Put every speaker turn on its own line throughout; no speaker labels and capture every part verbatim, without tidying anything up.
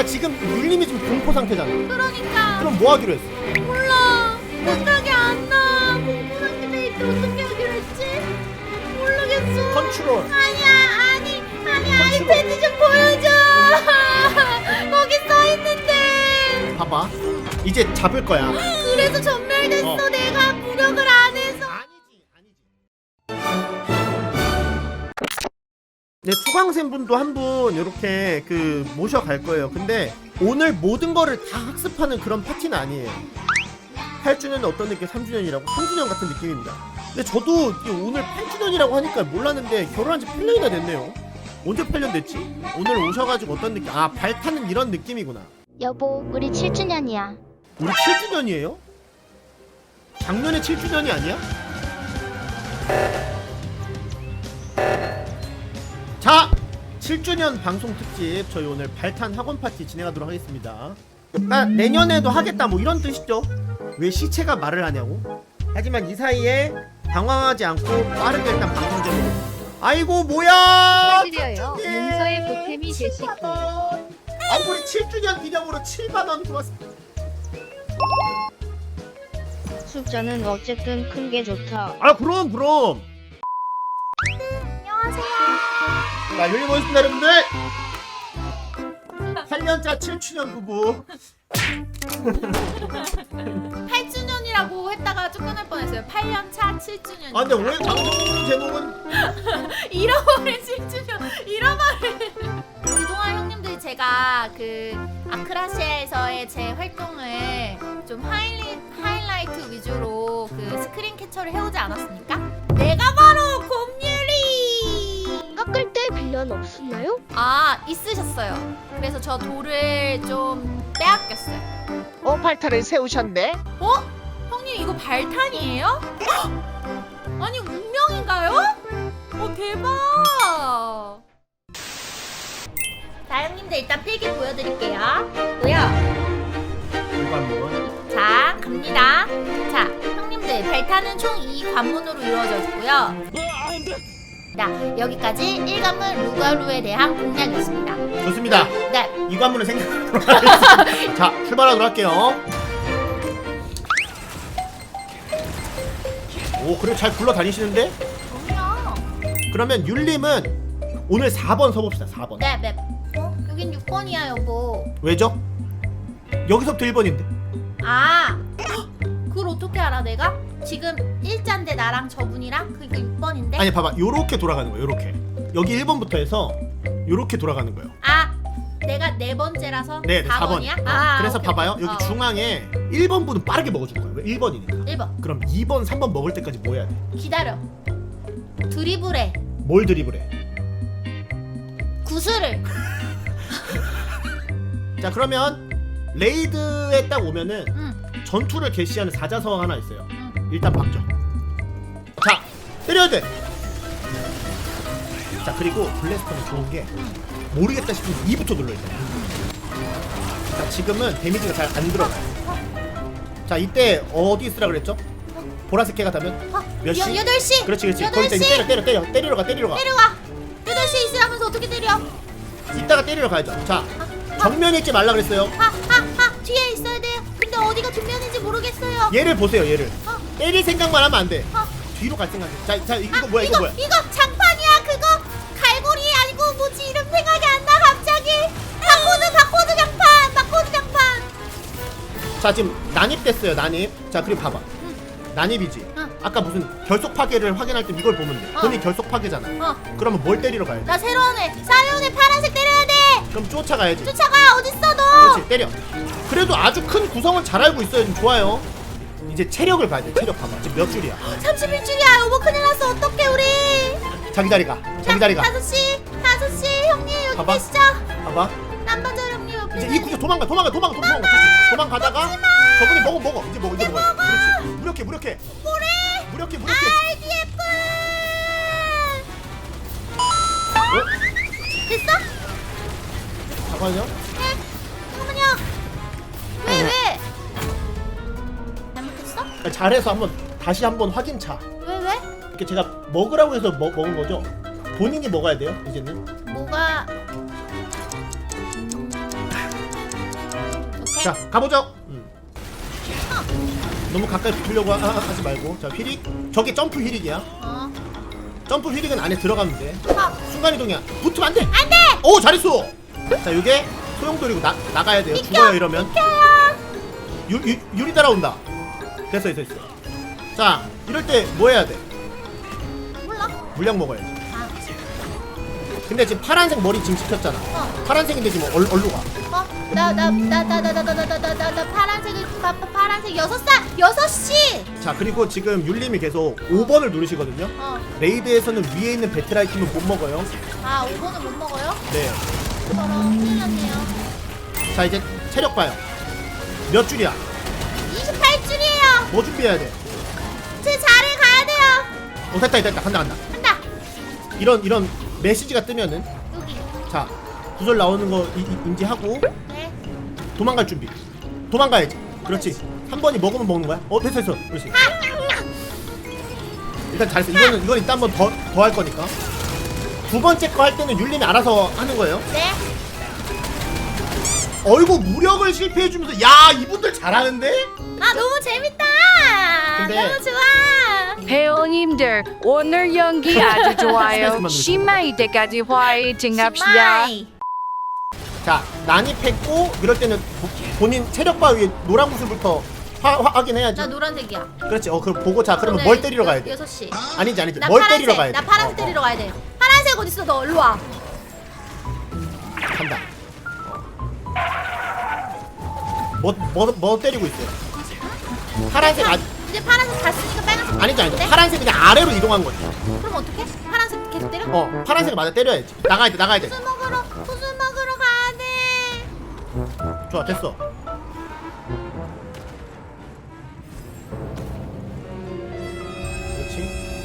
그러니까 지금 율림이 지금 공포 상태잖아.
그러니까.
그럼 뭐 하기로 했어?
몰라. 생각이 안 나. 공포 상태에 있을 때 어떻게 하기로 했지? 모르겠어.
컨트롤.
아니야, 아니, 아니,
컨트롤.
아이패드 좀 보여줘. 거기 써 있는데.
봐봐. 이제 잡을 거야.
그래서 전멸됐어.
어.
내가 무력을 안 해서.
아니지, 아니지. 네, 수강생 분도 한 분 이렇게 그 모셔갈 거예요. 근데 오늘 모든 거를 다 학습하는 그런 파티는 아니에요. 팔 주년은 어떤 느낌? 삼 주년이라고? 삼 주년 같은 느낌입니다. 근데 저도 오늘 팔 주년이라고 하니까 몰랐는데 결혼한 지 팔 년이나 됐네요. 언제 팔 년 됐지? 오늘 오셔가지고 어떤 느낌? 아, 발타는 이런 느낌이구나.
여보, 우리 칠 주년이야.
우리 칠 주년이에요? 작년에 칠 주년이 아니야? 자! 칠 주년 방송 특집 저희 오늘 발탄 학원 파티 진행하도록 하겠습니다. 나 내년에도 하겠다 뭐 이런 뜻이죠. 왜 시체가 말을 하냐고? 하지만 이 사이에 당황하지 않고 빠르게 일단 방송 제목. 아이고 뭐야!
축하드려요. 용서의 보탬이 되시고.
아 우리 칠 주년 기념으로 칠만 원 들어왔습니다.
숫자는 어쨌든 큰 게 좋다.
아 그럼 그럼.
안녕하세요.
자 여기 모였습니다 여러분들. 팔 년차 칠 주년 부부.
팔 주년이라고 했다가 쫓겨날 뻔했어요. 팔 년 차 칠 주년.
아 근데 왜 방송 제목은
잃어버린 칠 주년. 잃어버린. 그동안 형님들 제가 그 아크라시아에서의 제 활동을 좀 하이리, 하이라이트 위주로 그 스크린 캡처를 해오지 않았습니까? 내가 바로 곰유리.
깎을 때 빌런 없었나요?
아 있으셨어요. 그래서 저 돌을 좀 빼앗겼어요.
어, 발타를 세우셨네?
어? 형님 이거 발탄이에요? 헉! 아니 운명인가요? 어 대박! 자 형님들 일단 필기 보여드릴게요. 뭐야?
이거 한번.
자 갑니다. 자 형님들 발탄은 총 이 관문으로 이루어져 있고요. 자 여기까지 일 관문 루가루에 대한 공략이었습니다.
좋습니다.
네.
이 관문을 생각하도록 하겠습니다. 자 출발하도록 할게요. 오 그래 잘 굴러다니시는데?
그럼요.
그러면 율림은 오늘 사 번 서봅시다. 사 번.
네 맵. 어? 여긴 육 번이야 여보.
왜죠? 여기서부터 일 번인데.
아 헉! 그걸 어떻게 알아 내가? 지금 일자인데 나랑 저분이랑 그러니까 육 번인데?
아니 봐봐 요렇게 돌아가는 거예요. 요렇게 여기 일 번부터 해서 요렇게 돌아가는 거예요.
아 내가 네 번째라서
네, 네
사
사 번.
번이야?
어,
아
그래서
오케이,
봐봐요.
오케이.
여기
어.
중앙에 일 번 분은 빠르게 먹어줄 거예요. 왜? 일 번이니까.
일 번
그럼 이 번, 삼 번 먹을 때까지 뭐 해야 돼?
기다려. 드리블해.
뭘 드리블해?
구슬을.
자 그러면 레이드에 딱 오면은
응.
전투를 개시하는 사자성어 하나 있어요.
응.
일단 박죠. 자 때려야 돼. 자 그리고 블래스터는 좋은 게 모르겠다 싶으면 이부터 눌러야 돼. 자 지금은 데미지가 잘 안 들어가요. 자 이때 어디 있으라 그랬죠? 보라색 해가 닿으면
어,
몇 시?
여, 여덟 시.
그렇지 그렇지.
여덟
거기다
시.
이제 때려 때려 때려 때리러 가 때리러 가.
때려와. 여덟 시 있으라면서 어떻게 때려?
이따가 때리러 가야죠. 자 정면에 있지 말라 그랬어요.
하하하 뒤에 있어야 돼요. 근데 어디가 뒷면인지 모르겠어요.
얘를 보세요 얘를.
어.
때릴 생각만 하면 안 돼.
어.
뒤로 갈 생각. 자, 자 이거
아,
뭐야 이거
이거
뭐야?
이거 장판이야 그거 갈고리 아니고 뭐지 이름 생각이 안 나 갑자기. 바코드 바코드 장판 바코드 장판.
자 지금 난입됐어요 난입. 자 그리고 봐봐. 난입이지.
응.
아까 무슨 결속 파괴를 확인할 때 이걸 보면 돼.
어.
본인 결속 파괴잖아.
어.
그러면 뭘 때리러 가야 돼?
나 새로운 애 사이온 애 파란색 때려야 돼.
그럼 쫓아가야지.
쫓아가 어딨어 너.
그렇지 때려. 그래도 아주 큰 구성을 잘 알고 있어요. 좀 좋아요. 이제 체력을 봐야 돼. 체력 봐봐. 지금 몇 줄이야?
삼십일 줄이야 여보 큰일 났어 어떡해 우리.
자기 자리 가. 자기 자리 가.
다섯 시 다섯 시 형님 여기
봐봐.
계시죠?
봐봐.
남반자 형님 옆에
이제 이 구조 도망가 도망가 도망가 도망가. 그렇지. 도망가다가 저분이 먹어 먹어. 이제 먹어 이제 먹어. 그렇지. 무력해 무력해.
뭐래?
무력해 무력해.
아이디에프
어?
됐어?
잠깐만요.
네 잠깐만요. 왜 왜? 잘못했어?
아, 잘해서 한번 다시 한번 확인차.
왜 왜?
이렇게 제가 먹으라고 해서 먹, 먹은 거죠. 본인이 먹어야 돼요 이제는.
뭐가 오케이.
자 가보죠. 음. 너무 가까이 붙으려고 하, 하지 말고. 자 휘릭. 저게 점프 휘릭이야.
어.
점프 휘릭은 안에 들어가면 돼.
어.
순간이동이야. 붙으면 안 돼.
안 돼.
오 잘했어. 자 요게 소용돌이고 나, 나가야 돼요. 죽어요 이러면. 유, 유, 유리 따라온다. 됐어 됐어 됐어. 자 이럴 때 뭐 해야 돼?
몰라.
물약 먹어야지.
아.
근데 지금 파란색 머리 지금 찍혔잖아.
어.
파란색인데 지금 얼, 얼로 가.
어? 나 나 나 나 나 나 나 나 나 나 나 파란색을 파, 파, 파란색 여섯 살 여섯 시.
자 그리고 지금 율림이 계속 오 번을 누르시거든요.
어.
레이드에서는 위에 있는 배틀 아이템은 못 먹어요.
아 오 번은 못 먹어요?
네.
저런 큰일 났네요.
자 이제 체력 봐요. 몇 줄이야?
이십팔 줄이에요.
뭐 준비해야 돼?
제 자리에 가야 돼요.
어 됐다 됐다 간다 간다.
간다.
이런 이런 메시지가 뜨면은
여기.
자 구절 나오는 거 이, 이, 인지하고
네.
도망갈 준비. 도망가야지. 그렇지. 한 번이 먹으면 먹는 거야. 어 됐어 됐어. 그렇지. 일단 잘했어. 이거는 이건 이따 한 번 더 더 할 거니까. 두 번째 거 할 때는 율림이 알아서 하는 거예요.
네.
어이구 무력을 실패해주면서 야 이분들 잘하는데?
아 너무 재밌다.
근데-
너무 좋아.
배우님들 오늘 연기 아주 좋아요. 심마이 때까지 화이팅 합시다.
심마이.
자 난입했고 이럴 때는 보- 본인 체력 바 위에 노란 구슬부터 화, 화, 확인해야지.
나 노란색이야.
그렇지. 어 그럼 보고 자 그러면
오늘
뭘 때리러 가야 돼?
여섯 시.
아니지 아니지.
나
뭘
파란색.
때리러 가야 돼?
나 파란색
어,
때리러 가야 돼. 파란색 어디 있어? 너 일로 와.
어, 간다. 뭐뭐 뭐 때리고 있어요? 파란색 아
이제 파란색 갔으니까 빨간색.
아니지 아니지.
네?
파란색 그냥 아래로 이동한 거지.
그럼 어떡해? 파란색 계속 때려?
어 파란색 맞아 때려야지. 나가야 돼 나가야 돼.
구슬 먹으러 구슬 먹으러 가야 돼.
좋아 됐어. 그렇지.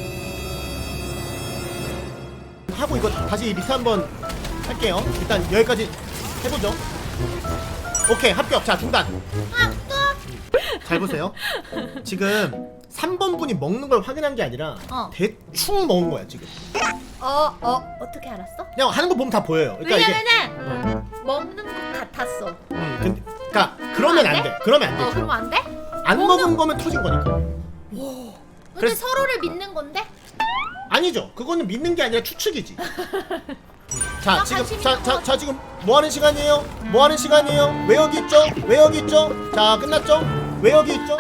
하고 이거 다시 리스 한번 할게요. 일단 여기까지 해보죠. 오케이 합격. 자 중단.
아 또.
잘 보세요. 지금 삼 번 분이 먹는 걸 확인한 게 아니라
어.
대충 먹은 거야 지금.
어, 어, 어떻게 알았어?
그냥 하는 거 보면 다 보여요. 그러니까 이게
왜냐면은 먹는 것 같았어.
음, 근데, 그러니까 그러면 안 돼. 그러면 안
어,
돼.
그러면 안 돼?
안
먹는-
먹은 거면 터진 거니까.
근데
그래서-
서로를 믿는 건데?
아니죠. 그거는 믿는 게 아니라 추측이지. 자
나
지금
관심
자,
있는
자,
거
자 지금 뭐 하는 시간이에요? 뭐 하는 시간이에요? 왜 여기 있죠? 왜 여기 있죠? 자 끝났죠? 왜 여기 있죠?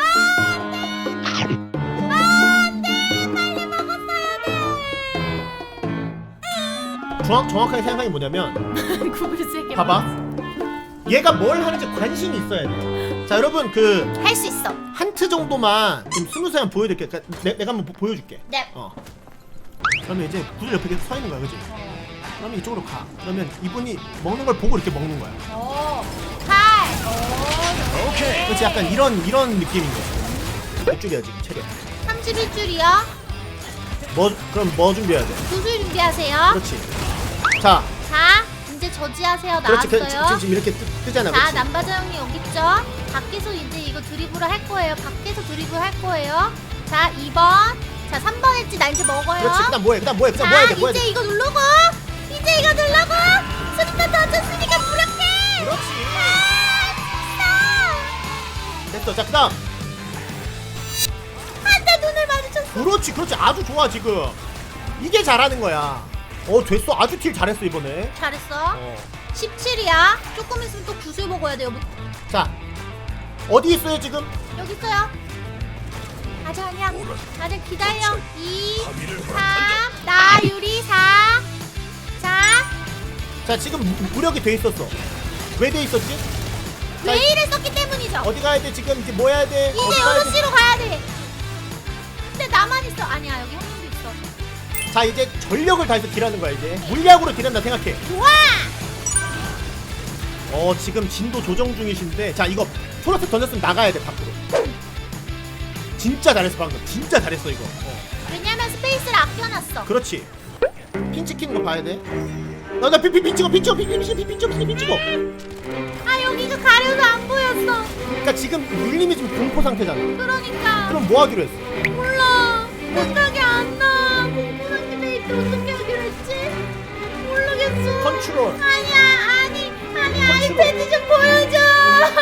정확 정확하게 생각이 뭐냐면
구글 세게
봐봐. 얘가 뭘 하는지 관심이 있어야 돼. 자 여러분 그
할수 있어.
한트 정도만 지금 스무세 한번 보여드릴게. 그러니까 내, 내가 한번 보, 보여줄게.
네.
어. 그러면 이제 구슬 옆에 계속 서 있는 거야, 그지? 그러면 이쪽으로 가. 그러면 이분이 먹는 걸 보고 이렇게 먹는 거야.
오, 팔. 오, 오케이.
그렇지? 약간 이런 이런 느낌인 거야. 몇 줄이야 지금 체력?
삼십일 줄이요.
뭐 그럼 뭐 준비해야 돼?
구슬 준비하세요.
그렇지. 자,
자, 이제 저지하세요.
그렇지. 그,
나왔어요.
지금, 지금 이렇게 뜨, 뜨잖아,
자,
그렇지?
남바자 형님 여기 있죠? 밖에서 이제 이거 드리블을 할 거예요. 밖에서 드리블 할 거예요. 자, 이 번. 자, 삼 번 했지. 나 이제 먹어요.
그렇지. 그다음 뭐해? 그다음 뭐해? 그다음
자,
뭐해야 돼? 뭐해야
이제
돼?
이거 누르고. 이제 이거 누르고. 수리타 던졌으니까 무력해.
그렇지.
아,
됐어. 자, 그다음.
안돼 눈을 마주쳤어.
그렇지, 그렇지. 아주 좋아 지금. 이게 잘하는 거야. 어, 됐어. 아주 딜 잘했어 이번에.
잘했어.
어.
십칠이야. 조금 있으면 또 구슬 먹어야 돼요.
자, 어디 있어요 지금?
여기 있어요. 아직 아니야. 다들 기다려. 이, 삼, 나 유리 사. 자,
자, 지금 무- 무력이 돼 있었어. 왜 돼 있었지? 자,
웨이를 썼기 때문이죠.
어디 가야 돼 지금? 이제 뭐 해야 돼?
이제
어디 가야
여섯
돼?
시로 가야 돼. 근데 나만 있어. 아니야, 여기 형님도 있어.
자, 이제 전력을 다해서 딜하는 거야 이제. 물약으로 딜한다 생각해.
좋아.
어, 지금 진도 조정 중이신데, 자, 이거 소라스 던졌으면 나가야 돼 밖으로. 진짜 잘했어 방금. 진짜 잘했어 이거. 어.
왜냐면 스페이스를 아껴놨어.
그렇지. 핀 찍히는 거 봐야 돼. 나, 나, 핀, 핀, 핀 찍어, 핀 찍어, 핀, 핀 찍어, 핀, 핀 찍어, 핀 찍어.
아, 여기가 가려서 안 보였어.
그러니까 지금 율림이 지금 공포 상태잖아.
그러니까.
그럼 뭐 하기로 했어?
몰라. 생각이 안 나. 공포상태 데이트 어떻게 하기로 했지? 모르겠어.
컨트롤.
아니야, 아니, 아니,
컨트롤.
아이패드 좀 보여줘.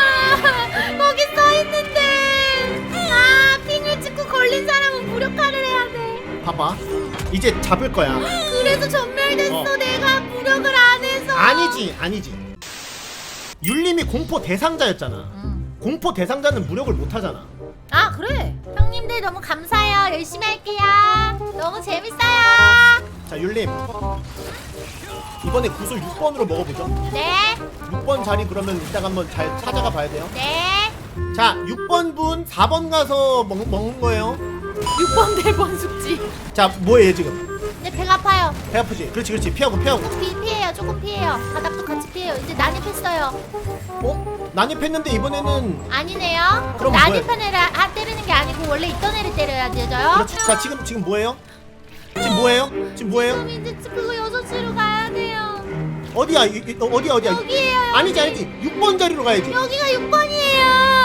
이제 잡을 거야.
그래서 전멸됐어.
어.
내가 무력을 안 해서.
아니지 아니지. 율림이 공포 대상자였잖아.
응.
공포 대상자는 무력을 못 하잖아.
아 그래. 형님들 너무 감사해요. 열심히 할게요. 너무 재밌어요.
자 율림 이번에 구슬 육 번으로 먹어보죠.
네.
육 번 자리 그러면 이따가 한번 잘 찾아가 봐야 돼요.
네.
자 육 번 분 사 번 가서 먹, 먹는 거예요.
육 번 네 번 숙지.
자 뭐예요 지금?
근데 배가 아파요.
배 아프지? 그렇지 그렇지 피하고 피하고.
피, 피해요. 조금 피해요. 바닥도 같이 피해요. 이제 난입했어요.
어? 난입했는데 이번에는
아니네요.
그럼
난입한 애를 아, 때리는 게 아니고 원래 있던 애를 때려야 되죠.
그렇지. 자 지금 지금 뭐예요? 지금 뭐예요? 지금 뭐예요?
그럼 이제 그거 여섯 시로 가야 돼요.
어디야? 이, 이, 어, 어디야 어디야?
여기에요. 여기.
아니지 아니지 육 번 자리로 가야지.
여기가 육 번이에요.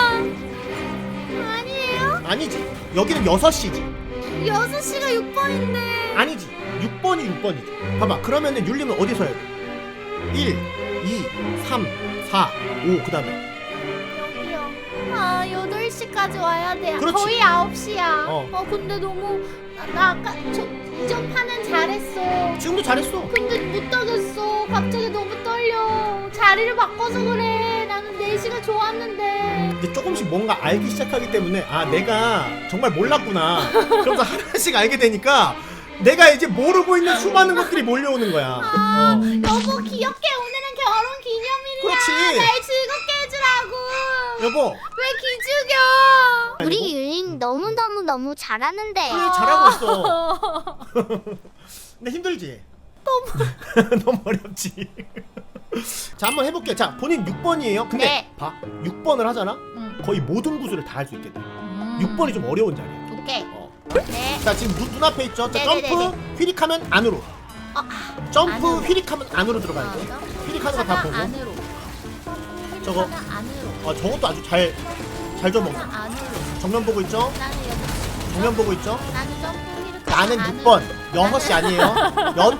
아니에요?
아니지 여기는 여섯 시지.
여섯 시가 육 번인데.
아니지 육 번이 육 번이지. 봐봐 그러면은 율림은 어디서 해야 돼? 일, 이, 삼, 사, 오 그 다음에
여기요. 아, 여덟 시까지 와야 돼요.
그렇지.
거의 아홉 시야.
어.
어. 근데 너무 나, 나 아까 저 이전 판은 잘했어.
지금도 잘했어.
근데 못 따겠어. 갑자기 너무 떨려. 자리를 바꿔서 그래. 나는 네 시가 좋았는데.
이제 조금씩 뭔가 알기 시작하기 때문에 아 내가 정말 몰랐구나. 그러면서 하나씩 알게 되니까 내가 이제 모르고 있는 수많은 것들이 몰려오는 거야.
아,
어.
여보 귀엽게 오늘은 결혼 기념일이야.
그렇지.
날 즐겁게 해주라고.
여보
왜 기죽여?
우리 율린 너무너무너무 잘하는데.
그래 잘하고 있어. 근데 힘들지? 너무 너무 어렵지. 자 한번 해볼게. 자 본인 육 번이에요. 근데
네.
봐 육 번을 하잖아.
응.
거의 모든 구슬을 다 할 수 있게 돼.
음.
육 번이 좀 어려운 자리야.
오케이.
어.
네.
자 지금 눈, 눈앞에 있죠. 자
네네네네.
점프 휘릭하면 안으로.
어, 아,
점프
안으로.
휘릭하면 안으로 들어가야 돼. 휘릭하는 거 다 보고.
안으로.
저거.
하나 안으로.
아 저것도 아주 잘 잘 좀 먹어.
하나 안으로.
정면 보고 있죠.
나는 여섯 시.
정면 보고 있죠.
나는 점프 휘를.
나는
안으로.
육 번 여섯 시 아니에요. 연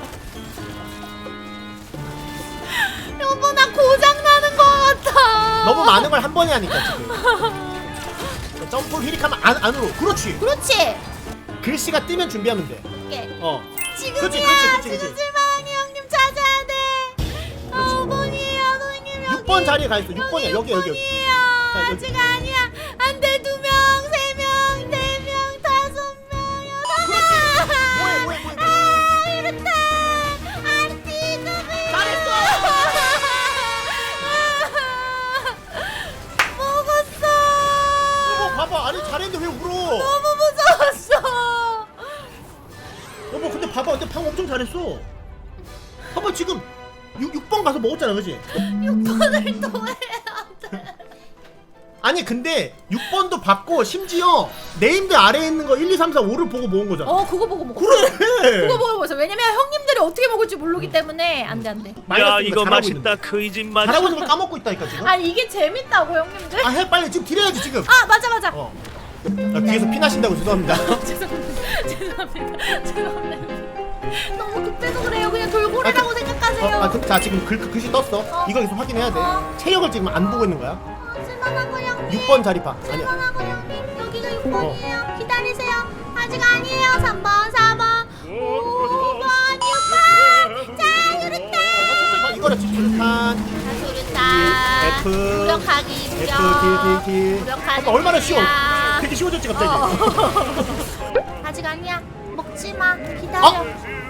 여보 나 고장 나는 거 같아.
너무 많은 걸 한 번에 하니까 지금. 자, 점프 휘릭하면 안 안으로. 그렇지.
그렇지.
글씨가 뜨면 준비하면 돼.
오케이.
어.
지금이야.
그렇지, 그렇지, 그렇지,
지금
그렇지.
실망이 형님 찾아야 돼. 어, 번이에요, 형님 여기.
육 번 자리에 가 있어. 육 번이야. 여기 여기 여기.
번이에요.
자, 여기.
아직 아니야. 안 돼. 두 명, 세 명, 네 명, 다섯 명, 여섯 명.
뭐해 뭐해 뭐해.
아, 이렇다. 아르티 그비.
잘했어.
먹었어.
여보 봐봐. 아니 잘했는데 왜 울어?
너무 무서웠어.
여보 근데 봐봐. 근데 방금 엄청 잘했어. 봐봐 지금 육, 육 번 가서 먹었잖아. 그지?
육 번을 또 해야 돼.
아니 근데 육 번도 받고 심지어 네임드 아래에 있는 거 일, 이, 삼, 사, 오를 보고 모은 거잖아.
어, 그거 보고 먹어.
그래.
그거 보고 먹어. 왜냐면 형님들이 어떻게 먹을지 모르기 때문에 안 돼, 안 돼.
야
마이너스
이거
잘하고
맛있다
있는데.
그 이 집 맛.
잘하고 있는 걸 까먹고 있다니까 지금.
아니, 이게 재밌다고, 형님들.
아 해 빨리 지금 딜해야지 지금.
아, 맞아, 맞아.
어. 아, 귀에서 피 나신다고 죄송합니다.
죄송합니다. 죄송합니다. 죄송합니다. 너무 급해서 그래요. 그냥 돌고래라고
어,
생각하세요.
아, 그, 자 지금 글, 글씨 떴어.
어.
이거 계속 확인해야 돼.
어.
체력을 지금 안 보고 있는 거야.
아, 쓸만하고 형님.
육 번 자리 봐. 아니야.
쓸만하고 형님. 여기가 육 번이에요. 기다리세요. 아직 아니에요. 삼 번, 사 번, 오 번, 육 번. 자, 유르타.
아, 이거라 집중탄.
자, 유르타.
F.
무력하기,
F
무력.
딜 딜 딜.
무력하는
아, 얼마나 쉬워.
중이야.
되게 쉬워졌지 갑자기.
어. 아직 아니야. 먹지 마. 기다려.
어?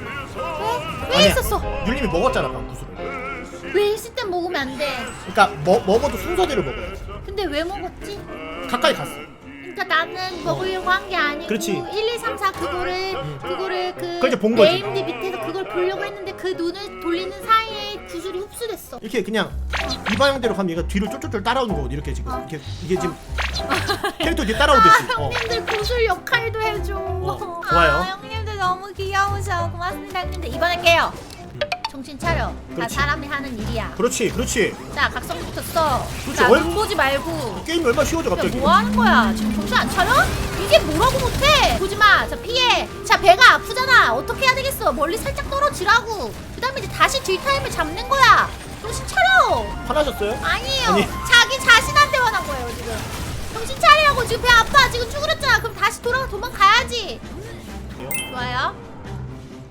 왜? 왜
아니야.
있었어?
율림이 먹었잖아 방금 구슬을.
왜 있을 땐 먹으면 안 돼?
그러니까 먹 먹어도 순서대로 먹어야지.
근데 왜 먹었지?
가까이 갔어.
그러니까 나는 먹으려고 한 게 아니고
그렇지.
일, 이, 삼, 사 그거를 그거를 그
그걸 이제 본 거지.
네임드 밑에서 그걸 보려고 했는데 그 눈을 돌리는 사이에 구슬이 흡수됐어.
이렇게 그냥 이 방향대로 가면 얘가 뒤로 쫄쫄쫄 따라오는 거거든. 이렇게 지금
어.
이렇게 이게 지금 캐릭터 뒤에 따라오듯이. 어.
형님들 구슬 역할도 해줘.
어, 좋아요.
아, 형님들 너무 귀여우셔. 고맙습니다, 형님들. 이번엔 깨요. 정신 차려. 다
그렇지.
사람이 하는 일이야.
그렇지 그렇지.
자, 각성부터 써.
그렇지.
자,
얼-
눈 보지 말고.
게임이 얼마나 쉬워져
야,
갑자기.
뭐 하는 거야? 지금 정신 안 차려? 이게 뭐라고 못해? 보지 마. 자, 피해. 자, 배가 아프잖아. 어떻게 해야 되겠어? 멀리 살짝 떨어지라고. 그 다음에 이제 다시 딜타임을 잡는 거야. 정신 차려.
화나셨어요?
아니에요.
아니.
자기 자신한테 화난 거예요, 지금. 정신 차리라고. 지금 배 아파. 지금 쭈그렸잖아. 그럼 다시 돌아가 도망가야지. 좋아요.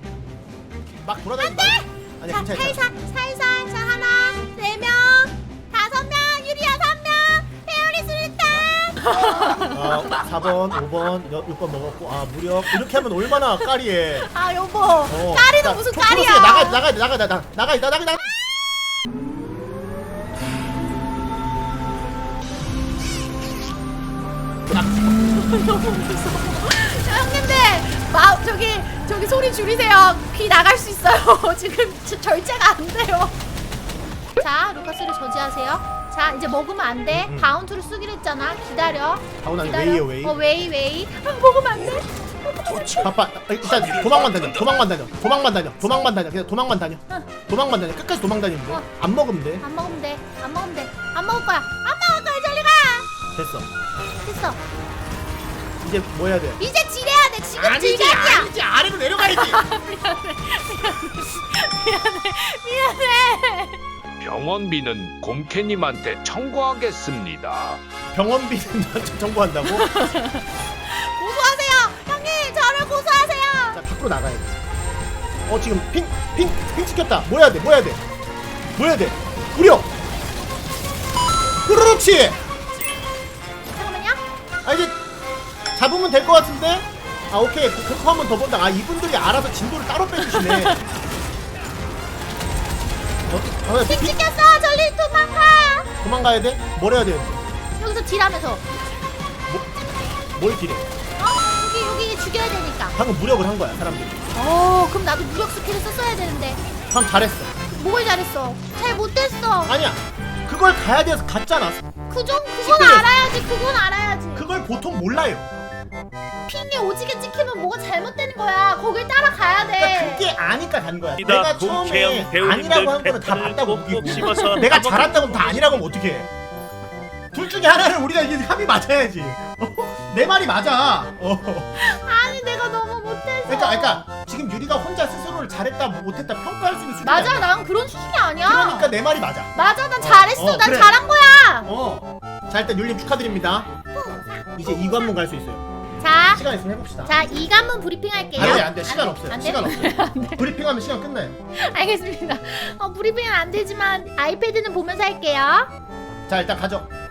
막 돌아다니지 마. 아니
자,
괜찮아.
살살, 살살. 자, 하나, 네 명, 다섯 명, 유리야 삼 명, 페어리 술탄.
아, 사 번, 오 번, 육 번 먹었고 아 무력 이렇게 하면 얼마나 까리해.
아, 여보.
어.
까리는
자,
무슨
토-
까리야?
토로스야, 나가 나가 나가 나가 나가 나가 나가.
너무 무서워. 형님들, 마, 저기, 저기 소리 줄이세요. 귀 나갈 수 있어요. 지금 저- 절제가 안 돼요. 자, 루카스를 저지하세요. 자, 이제 먹으면 안 돼.
음.
바운트를 쓰기로 했잖아. 기다려.
바운 아니
기다려.
웨이요 웨이.
어, 웨이, 웨이. 아, 먹으면 안 돼.
바빠. 일단 도망만 다녀. 도망만 다녀. 도망만 다녀. 도망만 다녀. 그냥 도망만 다녀. 도망만 다녀. 끝까지 도망 다니면 돼.
어.
안 먹으면 돼.
안 먹으면 돼. 안 먹으면 돼. 안 먹을 거야. 안 먹을 거야. 저리 가.
됐어.
됐어.
이제 뭐 해야 돼?
이제 지려야 돼. 지금 질감이야.
아니지. 아래로 내려가야지.
미안해.
병원비는 곰캐님한테 청구하겠습니다.
병원비는 나한테 정보한다고?
고소하세요. 형님, 저를 고소하세요.
자 밖으로 나가야 돼. 어 지금 핑 핑 핑 찍혔다. 뭐 해야 돼? 뭐 해야 돼? 뭐 해야 돼? 무력. 그렇지.
잠깐만요.
아 이제 잡으면 될 것 같은데? 아 오케이 그거 한 번 더 본다. 아 이분들이 알아서 진도를 따로 빼주시네. 어, 어,
핑
핑,
찍혔어. 저리 도망가.
도망가야 돼? 뭘 해야 돼?
여기서 딜하면서.
뭘 딜해?
어? 여기 여기 죽여야 되니까.
방금 무력을 한 거야 사람들이.
어, 그럼 나도 무력 스킬을 썼어야 되는데.
방금 잘했어.
뭘 잘했어? 잘 못했어.
아니야 그걸 가야 돼서 갔잖아.
그좀 그건
시끄러워.
알아야지. 그건 알아야지.
그걸 보통 몰라요.
핑이 오지게 찍히면 뭐가 잘못되는 거야. 거길 따라가야 돼.
그러니까 그게 아니까 간 거야.
이다
내가 처음에
국회의원 배우님들
아니라고 한 거는 다
패턴을
맞다고
꼭꼭
우기고
씹어서
내가
한번
잘한다고 하면 다 아니라고 하면 어떡해. 둘 중에 하나를 우리가 이게 합이 맞아야지. 어? 내 말이 맞아. 어.
아니, 내가 너무 못했어.
그러니까, 그러니까 지금 유리가 혼자 스스로를 잘했다 못했다 평가할 수 있는 수준이
맞아,
아니야.
난 그런 수준이 아니야.
그러니까 내 말이 맞아.
맞아, 난 잘했어.
어,
난
그래.
잘한 거야.
어. 자 일단 율님 축하드립니다. 이제 이 관문 갈 수 있어요.
자,
시간 있으면 해봅시다.
자, 이 관문 브리핑 할게요.
안돼 안돼 시간
안 돼,
없어요.
안 돼?
시간 없어요. 브리핑하면 시간 끝나요.
알겠습니다. 어, 브리핑은 안 되지만 아이패드는 보면서 할게요.
자 일단 가죠.